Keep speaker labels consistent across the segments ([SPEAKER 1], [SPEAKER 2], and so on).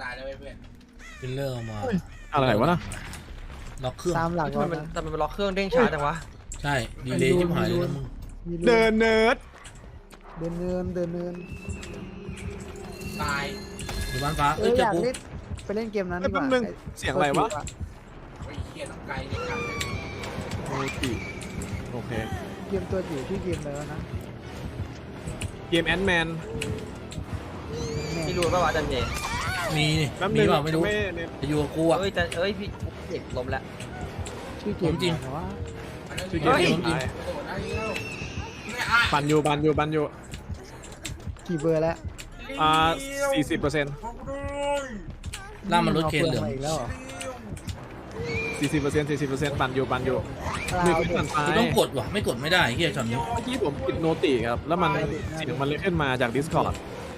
[SPEAKER 1] ตายแล้วเพื่อน
[SPEAKER 2] ฟิลเลอร์มา
[SPEAKER 3] อะไรวะนะ
[SPEAKER 2] ล็อกเครื่อง
[SPEAKER 4] ตามหลัก
[SPEAKER 5] ทำไมมันแต่มันล็อกเครื่องเด้งช้าจังวะ
[SPEAKER 2] ใช่ดีเลยชิบหายเลยนะมึง
[SPEAKER 3] เดินเนิร์ด
[SPEAKER 4] เดินเนินเดินเนิน
[SPEAKER 1] ตาย
[SPEAKER 2] อยู่บ้านฟ้า
[SPEAKER 4] เอ
[SPEAKER 2] เอ้
[SPEAKER 4] อย
[SPEAKER 2] เจ
[SPEAKER 4] อ
[SPEAKER 2] อย
[SPEAKER 4] าก
[SPEAKER 2] กู
[SPEAKER 4] เล่นไปเล่นเกมนั้น
[SPEAKER 3] ไอ้
[SPEAKER 4] ดีก
[SPEAKER 3] แป๊บ
[SPEAKER 4] ว่า
[SPEAKER 3] นึงเสียงอะไรวะ
[SPEAKER 1] ไอ้เหี้ยต้องไกลเลยครับ
[SPEAKER 3] โอติโอเค
[SPEAKER 4] เกมตัวจิ๋วที่เกมแล้วนะ
[SPEAKER 3] เกมแอนด์แมน
[SPEAKER 5] พี่รู้ป่าวอาจารย์เจ
[SPEAKER 2] มี
[SPEAKER 3] แป๊บ
[SPEAKER 2] มี
[SPEAKER 3] นึง
[SPEAKER 2] เปล่าไม่รู้
[SPEAKER 3] เนี่ย
[SPEAKER 2] จะอยู่กับกูอ่ะ
[SPEAKER 5] เอ้ยแต่เอ้ยพี่เด็กล้มแล้ว
[SPEAKER 4] ชื่อเกม
[SPEAKER 2] จริง
[SPEAKER 4] แต่ว่า
[SPEAKER 3] ชื่อเกม
[SPEAKER 5] เฮ้ย
[SPEAKER 3] ที่ผม
[SPEAKER 1] กระโดดได้แล้วไม่อ่ะ
[SPEAKER 3] ปั่นอยู่
[SPEAKER 4] กี่เบอร์แล้ว
[SPEAKER 3] 40%
[SPEAKER 2] ล่ามมันรถเคนเหลือง
[SPEAKER 4] าอีกแล้วเหรอ
[SPEAKER 3] 40% ปั่นอยู่มีคนปั่นซ้าย
[SPEAKER 2] กูต้องกดว่ะไม่กดไม่ได้เฮียช็อตนี้
[SPEAKER 3] เมื่อกี้ผมปิดโนติครับ แล้วมันเสียงมันเลยขึ้นมาจาก Discord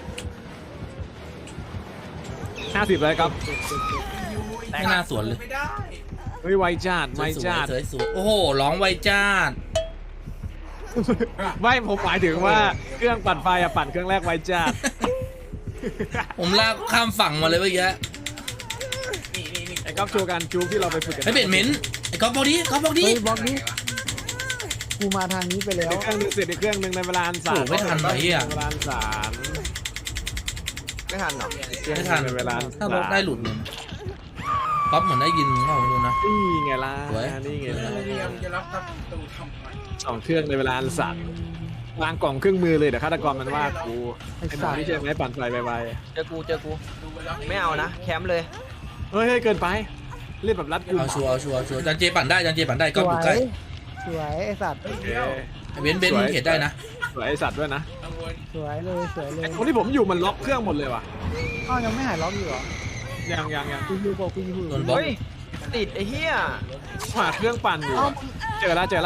[SPEAKER 3] 50เลยครับ
[SPEAKER 2] ไม่น่าสวนเลย
[SPEAKER 1] ไม่ได้
[SPEAKER 3] เฮ้ยไวจัดไวจัด
[SPEAKER 2] สวยโอ้โหร้องไวจ้าด
[SPEAKER 3] ไม่ผมหมายถึงว่าเครื่องปั่นไฟอะปั่นเครื่องแรกไวจัด
[SPEAKER 2] ผมลากข้ามฝั่งมาเลยเมื่อกี้
[SPEAKER 1] นี่
[SPEAKER 3] ไอ้ก๊อฟโชว์การจูบที่เราไปฝึกกัน
[SPEAKER 2] ไอ้เบ็ดเหม็นไอ้ก๊อฟบอกดิก๊อฟบอกดิ
[SPEAKER 4] เฮ้ยบล็อกนี้กูมาทางนี้ไปแล้ว
[SPEAKER 3] เครื่องนึงเสร็จอีกเครื่องนึงในเวลาอันสาม
[SPEAKER 2] โอ้ไม่ทันไหมอ่ะ
[SPEAKER 3] ในเวลาอันสาม
[SPEAKER 5] ไม่ทันหรอ
[SPEAKER 2] ไม่ทัน
[SPEAKER 3] ในเวลา
[SPEAKER 2] ถ้ารถได้หลุดเลยก๊อฟเหมือนได้ยินเขาไม่รู้นะ
[SPEAKER 3] นี่ไงล่ะ
[SPEAKER 2] สวย
[SPEAKER 3] นี่ไงล่ะ
[SPEAKER 1] เรียมจะรับประตูทำไม
[SPEAKER 3] สองเครื่องในเวลาอันสั่นวางกล่องเครื่องมือเลยเดี๋ยวฆาตกรมันว่ากู
[SPEAKER 4] ไอ้
[SPEAKER 3] ไอ้ห
[SPEAKER 4] สั
[SPEAKER 3] นู
[SPEAKER 4] ตว์
[SPEAKER 3] นี่ใช่ไหมปั่นไฟไว
[SPEAKER 5] เจอกู
[SPEAKER 1] ดูปแล้ว
[SPEAKER 5] ไม่เอานะแคมป์เลย
[SPEAKER 3] ๆเฮ้ยเกินไปเล่นแบบรัดกุม
[SPEAKER 2] เอาชัวร์จันเจปั่นได้ก๊อฟ
[SPEAKER 4] ส
[SPEAKER 2] อ
[SPEAKER 4] ว
[SPEAKER 2] ยู่ใกล้
[SPEAKER 4] ยสวยไอ้สัตว์
[SPEAKER 3] โอเค
[SPEAKER 2] ไอ้เบนซ์มึงเขียนได้นะ
[SPEAKER 3] สวยไอสัตว์ด้วยนะ
[SPEAKER 1] กังวล
[SPEAKER 4] สวยเลยสวยเลย
[SPEAKER 3] ไอ้ตรงที่ผมอยู่มันล็อกเครื่องหมดเลยว่ะ
[SPEAKER 4] อ้าวยังไม่หายล็อกอยู่เหรอ
[SPEAKER 3] ยัง
[SPEAKER 4] กูยูบอกกูยู
[SPEAKER 2] โดนบล็อก
[SPEAKER 5] เฮ้ยติดไอ้เหี้ย
[SPEAKER 3] หาเครื่องปั่นอยู่
[SPEAKER 4] เอ้า
[SPEAKER 3] เจอละ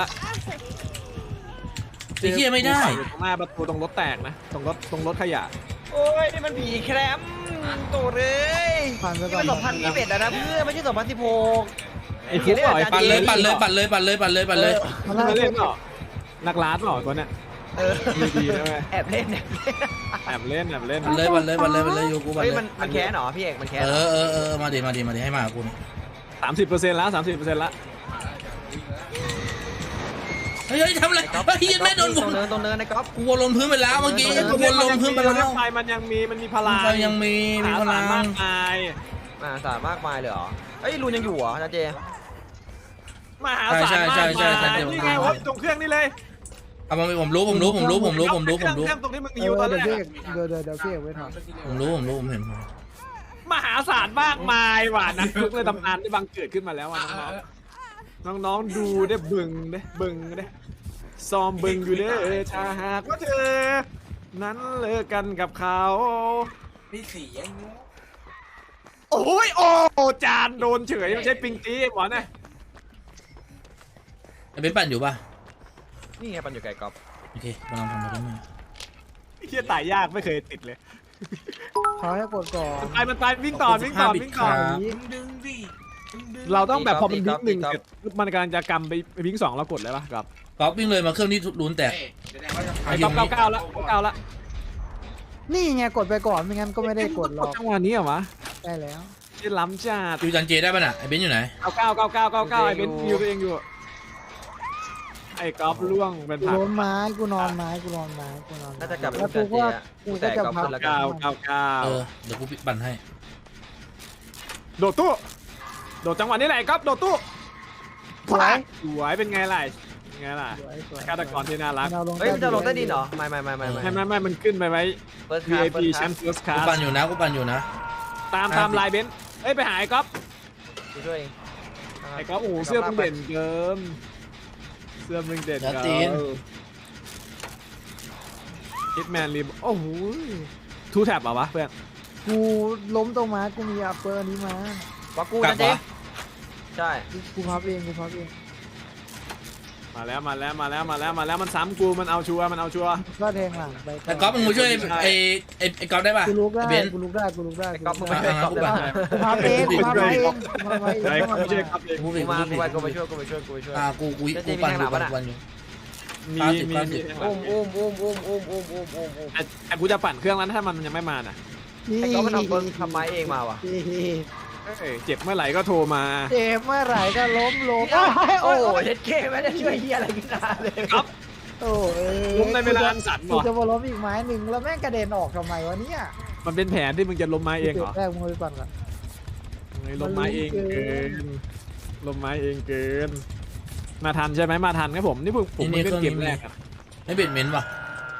[SPEAKER 2] ไอ้เฮียไม่ได้
[SPEAKER 3] อยู่ตรงหน้าประตูตรงรถแตกนะตรงรถขยะ
[SPEAKER 5] โอ้ยนี่มันผีแคมป์ตัวเลย
[SPEAKER 4] ผ่านไป
[SPEAKER 5] นี่
[SPEAKER 4] ก่อน
[SPEAKER 5] มัน2021แล้วนะเพื่อนไม่ใช่2016
[SPEAKER 3] ไอ้ฟุกเหรอไอ้
[SPEAKER 2] ปั่นเลยปั่นเลย
[SPEAKER 5] ปั่นเลย
[SPEAKER 2] ปั่นเลย
[SPEAKER 4] มา
[SPEAKER 3] มัน
[SPEAKER 4] ล่า
[SPEAKER 3] มา
[SPEAKER 4] สุ
[SPEAKER 3] เล่
[SPEAKER 4] ด
[SPEAKER 3] นเหรอนักร้านเหรอตัวเนี้ย
[SPEAKER 5] เออ
[SPEAKER 3] ดีๆนะเว้ย
[SPEAKER 5] แอบเล่น
[SPEAKER 3] แอบเล่น
[SPEAKER 2] ปั่นเลยอยู่กูปั่น
[SPEAKER 5] เฮ้ย
[SPEAKER 2] เล
[SPEAKER 5] มัน
[SPEAKER 2] ย
[SPEAKER 5] มันแค้นเหรอพี่เอกมันแค้น
[SPEAKER 2] เอ
[SPEAKER 5] เหรอ
[SPEAKER 2] อมาดิให้มากู
[SPEAKER 3] 30%แล้ว30%แล้ว
[SPEAKER 2] เฮ้ยทำอะไรเฮียไม่โดน
[SPEAKER 5] ตรงเนินในก๊อฟ
[SPEAKER 2] กูวนลงพื้นไปแล้วเมื่อกี้กูวนลงพื้นไปแล้ว
[SPEAKER 3] ไฟมันยังมีพลัง
[SPEAKER 2] ยังมีพลัง
[SPEAKER 3] มากมาย
[SPEAKER 5] สารมากมายเลยเหรอเอ้ยรูนยังอยู่เหรออาจารย์เจ
[SPEAKER 3] มหาศาลมากมายนี่ไงวะตรงเครื่องนี่เลย
[SPEAKER 2] เอามาผมรู้
[SPEAKER 3] เครื่องตรงที่มึง
[SPEAKER 4] เอ
[SPEAKER 3] อยู่ตอน
[SPEAKER 4] เดี๋ยว
[SPEAKER 3] นี้
[SPEAKER 4] พี่เอกเดี๋ยวพี่เอกไว้ถอน
[SPEAKER 2] ผมเห็น
[SPEAKER 3] มหาศาลมากมายว่ะนักทุกในตำนานได้บังเกิดขึ้นมาแล้วน้องๆดูได้บึงได้ซ้อมบึงอยู่เด้อถ้าหากว่าเธอนั้นเลิกกันกับเขา
[SPEAKER 1] มีสียังงู
[SPEAKER 3] โอ้ยโอ้จานโดนเฉยไม่ใช่ปิงตีหมอนะ
[SPEAKER 2] ไอ้เบนปั่นอยู่ป่ะ
[SPEAKER 5] นี่ไงปันอยู่ไกลก๊อฟ
[SPEAKER 2] โอเคกำลังทำอะไรกันมา
[SPEAKER 3] เฮียตายยากไม่เคยติดเลย
[SPEAKER 4] เขาให้กดก่อน
[SPEAKER 3] มันตายวิ่งต่อ
[SPEAKER 1] ดึงดิ
[SPEAKER 3] เราต้องแบบพอมันวิ่งหนึ่งเสร็จมันกำลังจะกำไปวิ่งสองเรากดเลยป่ะครับ
[SPEAKER 2] ก๊อฟวิ่งเลยมาเครื่องที่รูนแตก
[SPEAKER 1] แสดงว่าจะ
[SPEAKER 3] ไอ้ก๊อฟเก้าละ
[SPEAKER 4] นี่ไงกดไปก่อนไม่งั้นก็ไม่ได้กดหรอก
[SPEAKER 3] จังหวะนี้เหรอวะ
[SPEAKER 4] ได้แล้ว
[SPEAKER 3] ที่ล้ำจัด
[SPEAKER 2] ดูจันเจได้ป่ะน่ะไอ้เบนอยู่ไหน
[SPEAKER 3] เก้าไอ้เบนยิวตัวเองอยู่ไอ้ก๊อฟล่วงเป็น
[SPEAKER 4] กู
[SPEAKER 3] ผัก
[SPEAKER 4] ล้มไม้กูนอนไม้กูนอนไม้
[SPEAKER 5] น่าจะกลับไป
[SPEAKER 4] แล้ว
[SPEAKER 5] อา
[SPEAKER 4] กู
[SPEAKER 5] จารย์เจ
[SPEAKER 4] ก็
[SPEAKER 5] อะ
[SPEAKER 4] กูก็จะพับ
[SPEAKER 5] แล้ว
[SPEAKER 3] เก้า
[SPEAKER 2] เดี๋ยวกูปั่นให้
[SPEAKER 3] โดดตู้โดดจังหวะนี้แหละก๊อฟโดดตู้
[SPEAKER 4] สวย
[SPEAKER 3] สวยเป็นไงล่ะฆาตกรที่น่ารัก
[SPEAKER 5] เฮ้ยมันจะลงใต้ดินเหรอไม่
[SPEAKER 3] ไม่มันขึ้นไปไว้
[SPEAKER 5] First class
[SPEAKER 3] VIP แชมป์ First
[SPEAKER 2] กู
[SPEAKER 3] Class
[SPEAKER 2] ปั่นอยู่นะ
[SPEAKER 3] ตามลายเบนซ์เอ้ยไปหาไอ้ก๊อฟ
[SPEAKER 5] กูช่วยเอง
[SPEAKER 3] ไอ้ก๊อฟโอ้โหเสื้อมึงเด่นเกินฮิตแมนริมโอ้โหทูแท็บเหรอวะเพื่อน
[SPEAKER 4] กูล้มตรงไม้กูมีอัปเปอร์นี้มา
[SPEAKER 5] ว่ากูอาจารย์เจใช่
[SPEAKER 4] กูพับเอง
[SPEAKER 3] มาแล้วมันซ้ำกูมันเอาชัวร์
[SPEAKER 4] ก็แทงหลังไป
[SPEAKER 2] แต่ก๊อฟมึงมาช่วยไอ้ก๊อฟได้ป่ะ
[SPEAKER 4] กูลุกได้
[SPEAKER 2] เบน
[SPEAKER 4] กูลุกได้
[SPEAKER 5] ก๊อฟมึงมาช่วยก๊อฟได้
[SPEAKER 4] กูพับเองกูพับเอง
[SPEAKER 3] ไอ้ก๊อฟไม่ใช่ครับ
[SPEAKER 2] กู
[SPEAKER 5] กูมากูไปช่วยกู
[SPEAKER 2] ปั่นอยู่ปั่นอยู่
[SPEAKER 3] มี
[SPEAKER 5] อุ้ม
[SPEAKER 3] แต่กูจะปั่นเครื่องแล้วถ้ามันยังไม่มาน่ะ
[SPEAKER 5] ไอ้ก๊อฟมันทำไม้เองมาวะ
[SPEAKER 3] เอ้ยเจ็บเมื่อไหร่ก็โทรมา
[SPEAKER 4] เจ็บเมื่อไหร่ก็ล้ม
[SPEAKER 5] โอ้ยเด็ดเก้ไม่ได้ช่วยเฮียอะไรกันนานเลย
[SPEAKER 3] ครับ
[SPEAKER 4] โอ้ย
[SPEAKER 3] ล้มในเวลาอันสั้น
[SPEAKER 4] กู
[SPEAKER 3] วะ
[SPEAKER 4] จะมาล้มอีกไม้หนึ่งแล้วแม่งกระเด็นออกทำไมวะเนี่ย
[SPEAKER 3] มันเป็นแผนที่มึงจะล้มไม้เองเหรอ
[SPEAKER 4] แรกมึงไปปั่นก่อน
[SPEAKER 3] เฮ้ยล้มไม้เองเกินล้มไม้เองเกิน มาทันใช่ไหมมาทันครับผมนี่ผมเพิ่งเล่นเกมแรกอะ
[SPEAKER 2] ไม่เบ็ดเม้นป่ะ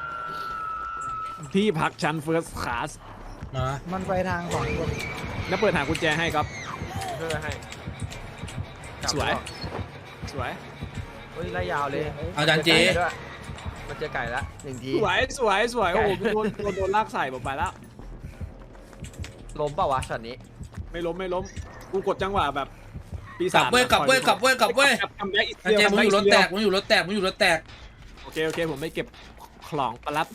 [SPEAKER 3] ที่พักชั้นเฟิร์สคลาส
[SPEAKER 2] มา
[SPEAKER 4] มันไปทางสองคน
[SPEAKER 3] แล้วเปิดหากุญแจให้ครับ
[SPEAKER 5] ช่วยให้
[SPEAKER 3] สวย สวย
[SPEAKER 5] เฮ้ยไล่ยาวเลย
[SPEAKER 2] เอาจานเจ
[SPEAKER 5] มันเจอไก่ละหนึ่งที
[SPEAKER 3] สวยสวยสวยโอ้โหโดนลากใส่ผมไปแล้ว
[SPEAKER 5] ล้มเปล่าวะช็อตนี้
[SPEAKER 3] ไม่ล้มไม่ล้มกูกดจังหวะแบบปี
[SPEAKER 2] ก
[SPEAKER 3] ศา
[SPEAKER 2] ลั
[SPEAKER 3] จ
[SPEAKER 2] บเว้ยกลับเว้ยกลับเว้ยกลับเว้ย
[SPEAKER 3] ทำได้อีก
[SPEAKER 2] จานเจมึงอยู่รถแตกมึงอยู่รถแตกมึงอยู่รถแตก
[SPEAKER 3] โอเคโอเคผมไม่เก็บของปลัด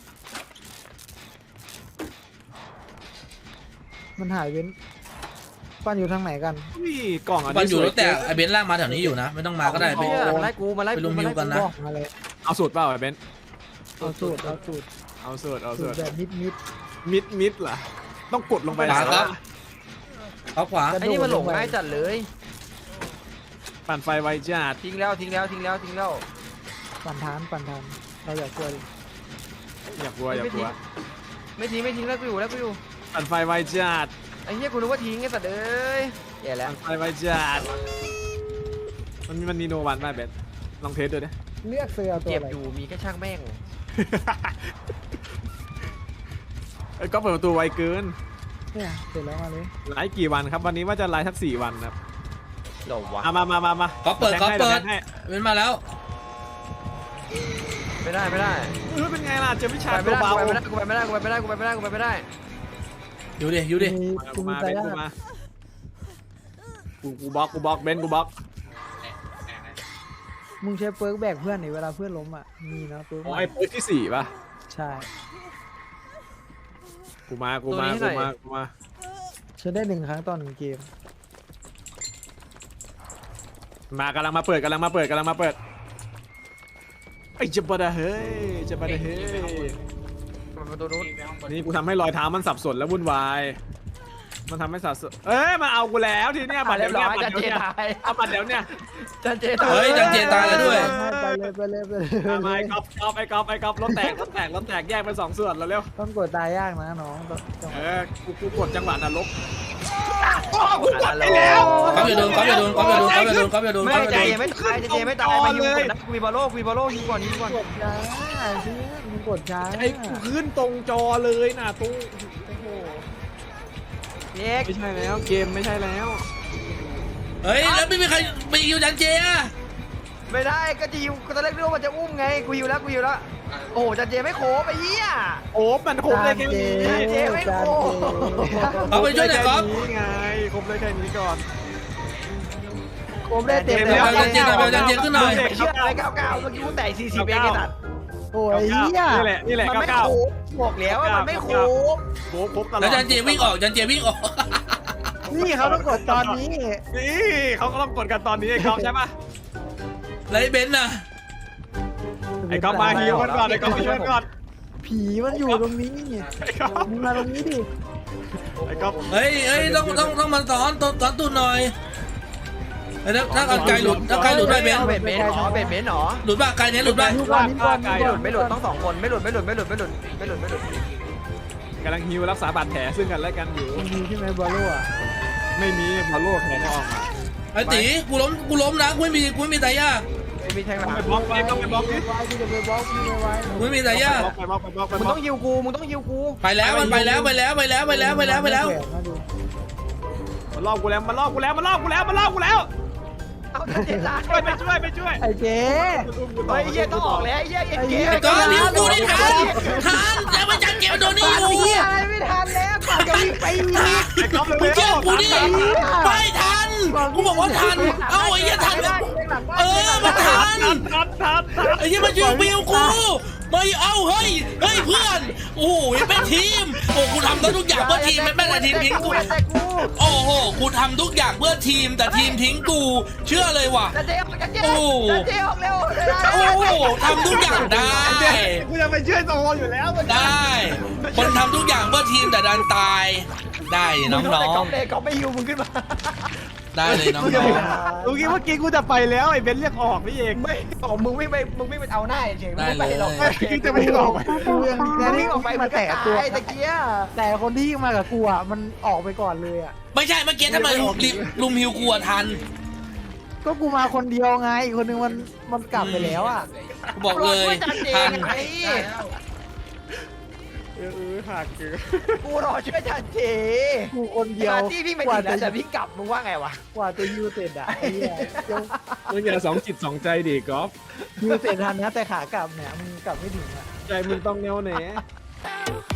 [SPEAKER 4] มันหายเว้นปั่นอยู่ทางไหนกัน
[SPEAKER 3] นี่กล่องอัน
[SPEAKER 2] มัน
[SPEAKER 3] นี้
[SPEAKER 2] อยู่รถแตก
[SPEAKER 3] สวย
[SPEAKER 2] ไอเบนซ์ลากมาแถวนี้อยู่นะ ไม่ต้องมาก็ได้
[SPEAKER 5] เหี้ยมันไล่กูมันไล่
[SPEAKER 2] ไป
[SPEAKER 5] กู
[SPEAKER 2] ลุม
[SPEAKER 5] มัน
[SPEAKER 2] ฮิ
[SPEAKER 5] ไล่
[SPEAKER 2] วกันนะ
[SPEAKER 4] บอกมาเลย
[SPEAKER 3] เอาสูตรเปล่าไอ้เบนซ์
[SPEAKER 4] เอาสูตรเอาสูตร
[SPEAKER 3] เอาสูตรเอา
[SPEAKER 4] สู
[SPEAKER 3] สู
[SPEAKER 4] ต
[SPEAKER 3] ต
[SPEAKER 4] ร
[SPEAKER 3] ร
[SPEAKER 4] แบบมิด
[SPEAKER 3] มิดเหรอต้องกดลงไป
[SPEAKER 2] ขวาครับเอาขวา
[SPEAKER 5] ไอ้นี่มันหลงง่ายจัดเลย
[SPEAKER 3] ปั่นไฟไวจัด
[SPEAKER 5] ทิ้งแล้วทิ้งแล้วทิ้งแล้วทิ้งแล้ว
[SPEAKER 4] ปั่นทานเราอยากช่วยดิ
[SPEAKER 3] อย่ากลัวอย่ากลัว
[SPEAKER 5] ไม่ทิ้งไม่ทิ้งแล้วกูอยู่แล้วกูอยู่
[SPEAKER 3] ปั่นไฟไวจัด
[SPEAKER 5] ไอ้เหี้ยกูนึกว่าทิ้งไอ้สัตว์เอ้ยแย่แล้ว
[SPEAKER 3] ปั่นไฟไวจัดมันมีโนวันไหมเบนซ์ลองเทสดูดิ
[SPEAKER 4] เลือกเสือตัว
[SPEAKER 5] เจ็บ
[SPEAKER 4] อะไร
[SPEAKER 5] อยู่มีแค่ช่างแม่ง
[SPEAKER 3] ไอ้ก็เปิดประตูไวเกิน
[SPEAKER 4] เนี่ยเสร็จแล้วมาเลย
[SPEAKER 3] ไลฟ์กี่วันครับวันนี้ว่าจะไลฟ์สัก4 วันครับ
[SPEAKER 5] เดี๋ยววะ
[SPEAKER 3] มา
[SPEAKER 2] ก็เปิดก็เปิด
[SPEAKER 3] แทงให้
[SPEAKER 2] เบนซ์มาแล้ว
[SPEAKER 5] ไม่ได้ไม่ได้
[SPEAKER 3] เออเป็นไงล่ะเจอวิชา
[SPEAKER 5] ไปไม่
[SPEAKER 3] ตัว
[SPEAKER 5] ได้
[SPEAKER 3] เบา
[SPEAKER 5] กูไปไม่ได้กูไปไม่ได้กูไปไม่ได้กูไปไม่ได้
[SPEAKER 2] อยู่ดิอยู่ดิ
[SPEAKER 4] มี
[SPEAKER 3] กู
[SPEAKER 4] มี
[SPEAKER 3] มา
[SPEAKER 4] ใจ
[SPEAKER 3] เบน
[SPEAKER 4] ได้
[SPEAKER 3] กูมากูบล็อกเบนกูบล็อก
[SPEAKER 4] มึงใช้เปิร์กแบกเพื่อนหนิเวลาเพื่อนล้มอ่ะมีนะเปิร์ก
[SPEAKER 3] อ๋อไอ้เปิร์กที่4ป่ะ
[SPEAKER 4] ใช่
[SPEAKER 3] กูมา
[SPEAKER 4] ฉันได้1 ครั้งต่อ1 เกม
[SPEAKER 3] มากำลังมาเปิดไอ้เจ็บปะเฮ้ยเจ็บปะเฮ้ย
[SPEAKER 5] มันประตูนู้น
[SPEAKER 3] นี่กูทำให้รอยเท้ามันสับสนและวุ่นวายมันทำให้สับสนเอ้ยมาเอากูแล้วทีเนี้ยบัตร
[SPEAKER 5] เรี
[SPEAKER 3] เดี๋
[SPEAKER 5] ย
[SPEAKER 3] ยว
[SPEAKER 5] บร้
[SPEAKER 3] เนี้
[SPEAKER 5] อย ยจันเจตาย
[SPEAKER 3] เอาบัตรเดี๋ยวเนี้ย
[SPEAKER 5] จันเจ
[SPEAKER 2] เฮ้ยจันเจตายแล้วด้วย
[SPEAKER 4] ไปเลย
[SPEAKER 3] มาไอ้ก๊อฟไอ้ก๊อฟรถแตกแยกเป็น2 ส่วนแล้วเร็ว
[SPEAKER 4] ต้องกดตายยากนะน้องต้อง
[SPEAKER 3] กูกดจังหวะนรก
[SPEAKER 5] ไปแล้ว
[SPEAKER 2] ก๊อฟอย่าโดนก๊อฟอย่าโดนก๊อฟอย่าโดนก๊อฟอย่าโดนก๊อฟอย่าโดน
[SPEAKER 5] ไม่
[SPEAKER 2] ก๊อฟอย่า
[SPEAKER 5] ใจ
[SPEAKER 2] โดน
[SPEAKER 5] ยังไม่ตายจันเจไม่ตายมาอยู่นะกูมีบอลโลยิงก่อน
[SPEAKER 4] กดช้าเพื่อนมึงกดช้า
[SPEAKER 3] ไอ้กูขึ้นตรงจอเลยนะตรงโอ้โห
[SPEAKER 5] เน็ก
[SPEAKER 3] ไม่ใช่แล้วเกมไม่ใช่แล้ว
[SPEAKER 2] เฮ้ยแล้วไม่มีใครไปยิวจันเจอะ
[SPEAKER 5] ไม่ได้ก็จะยิวตอนแรกนึกว่ามันจะอุ้มไงกูยิวแล้วโอ้จันเจไม่โขไปเหี้ย
[SPEAKER 3] โอ้มันครบเลยแค่นี้
[SPEAKER 5] เจ๊ไม่โกง
[SPEAKER 2] เอาไปช่วยหน่อยก๊อฟ
[SPEAKER 3] นี่ไงครบเลยแค่นี้ก่อน
[SPEAKER 4] ผมได้เต็ม
[SPEAKER 2] เดี๋
[SPEAKER 4] แล้
[SPEAKER 2] ยว วจันเจหน่อยจันเจขึ้นหน่อย
[SPEAKER 5] ไม่เชื่ออะไร99เมื่อกี้กูแต่40เองไอ้สัตว์
[SPEAKER 4] โอ้ยเฮีย
[SPEAKER 3] นี่แหละ
[SPEAKER 5] มันไม่
[SPEAKER 3] 99
[SPEAKER 5] โขบอกแล้วว่ามันไม่โข
[SPEAKER 3] ครบตลอด
[SPEAKER 2] แล้วจันเจวิ่งออกจันเจวิ่งออก
[SPEAKER 4] นี่เขาต้องกดตอนนี้
[SPEAKER 3] นี่เขาก็ต้องกดกันตอนนี้ไอ้ก๊อฟใช่ปะ
[SPEAKER 2] แล้วไอ้เบนซ์น่ะ
[SPEAKER 3] ไอ้ก๊อฟมาฮิวกันก่อนไอ้ก๊อฟมาช่วยก่อน
[SPEAKER 4] ผีมันอยู่ตรงนี้
[SPEAKER 3] ไอ้ก๊อฟ
[SPEAKER 4] มึงมาตรงนี้ดิ
[SPEAKER 3] ไอ้ก๊อฟ
[SPEAKER 2] เฮ้ยต้องมาสอนตูนหน่อยไอ้ถ้าไกลหลุดถ้าไกลหลุดได้เบนซ์
[SPEAKER 5] เบ็ดเบนหรอเบ็ดเบนหรอ
[SPEAKER 2] หลุดป่ะไกลเนี้ยหลุดป่ะ
[SPEAKER 4] นี่ก่อนนี่ก่อนนี่ก่อน
[SPEAKER 5] ไม่หลุดต้อง2 คนไม่หลุด
[SPEAKER 3] กำลังฮิวรักษาบาดแผลซึ่งกันและกันอยู่
[SPEAKER 4] มึงมีใช่ไหมบอลโล่อะ
[SPEAKER 3] ไม่มีพอโลกแขนออกมา
[SPEAKER 2] ไอ้ตีกูล้มนะกูไม่มีตายา
[SPEAKER 5] มีแทงหลัง
[SPEAKER 3] ไปบล็อกไปบล็อกดิ
[SPEAKER 4] ไว้ที่จะไปบล็อกมึงไว้
[SPEAKER 2] กูไม่มีตายา
[SPEAKER 3] ไปบล็อก
[SPEAKER 5] มึงต้องยิวกู
[SPEAKER 2] ไปแล้วมันไปแล้ว
[SPEAKER 3] มันลอกกูแล้ว
[SPEAKER 5] เอาจันเจตาย
[SPEAKER 3] ไปช่วย
[SPEAKER 4] ไอ้เจ๊
[SPEAKER 5] เฮ้ยเหี้ยต้องออกแล้วเหี้ย
[SPEAKER 2] ไอ้ก้อนนิ้วกูนี่ทันแล้วมันจันเจมันโดนนี่อยู่
[SPEAKER 4] เฮียอะไรไม่ทันแล้วก่อนจะวิ่งไปอีก
[SPEAKER 3] ไอ้ก๊อฟ
[SPEAKER 2] มึงเชื่อกูดิไม่ทันกูบอกว่าทันเอ้าไอ้เหี้ยทันมันทันไอ้เหี้ยมันยิงวิวกูไม่เอาเฮ้ยเพื่อนโอ้โหเป็นทีมโอ้กูทำได้ทุกอย่างเพื่อทีมไม่แต่ทีมทิ้งกู
[SPEAKER 5] แต่กู
[SPEAKER 2] โอ้โหกูทำทุกอย่างเพื่อทีมแต่ทีมทิ้งกูเชื่อเลยว่ะ
[SPEAKER 5] จันเจออกจันเจ
[SPEAKER 2] โอ้
[SPEAKER 5] จันเจออกเร็ว
[SPEAKER 2] โอ้โหทำทุกอย่างได้
[SPEAKER 3] กูจะไปช่วยโซอยู่แล้วมัน
[SPEAKER 2] ได้คนทำทุกอย่างเพื่อทีมแต่ดันตายได้น้อง
[SPEAKER 5] เลยก็ไม่ยูมึงขึ้นมา
[SPEAKER 2] ๆได้เลยน้อง
[SPEAKER 3] เมื่อกี้กูจะไปแล้วไอ้เบนเรียกออกนี่เอง
[SPEAKER 5] ไม่บอกมึงไม่ไปเอาหน้าเฉยมึงไม่ไปหรอก
[SPEAKER 3] กูจะไปออก
[SPEAKER 4] กูยัง
[SPEAKER 5] มึงวิ่งออกไป
[SPEAKER 4] มาแตะตัว
[SPEAKER 5] ตะเกีย
[SPEAKER 4] แต่คนที่มากับกูอ่ะมันออกไปก่อนเลยอ่ะ
[SPEAKER 2] ไม่ใช่เมื่อกี้ทำไมลุมฮิวกูอะทัน
[SPEAKER 4] ก็กูมาคนเดียวไงอีกคนนึงมันกลับไปแล้วอ่ะ
[SPEAKER 2] กูบอกเลย
[SPEAKER 5] จันเจ
[SPEAKER 2] ทัน
[SPEAKER 5] ไง
[SPEAKER 3] หักคือ
[SPEAKER 5] กูรอช่วยจันเจ
[SPEAKER 4] กูคนเดียว
[SPEAKER 5] ที่พี่ไป
[SPEAKER 4] กว่า
[SPEAKER 5] ถึง
[SPEAKER 4] จะ
[SPEAKER 5] แล้วแต่พี่กลับมึงว่าไงวะ
[SPEAKER 4] กว่าจะยูเสร็จอ่ะไอ้เหี้ยยัง
[SPEAKER 3] มึงอย่าสองจิตสองใจดิกอล์ฟ
[SPEAKER 4] ยูเสร็จทันนะแต่ขากลับเนี่ยมึงกลับไม่ถึงอ่ะ
[SPEAKER 3] ใจมึงต้องแน่วแน่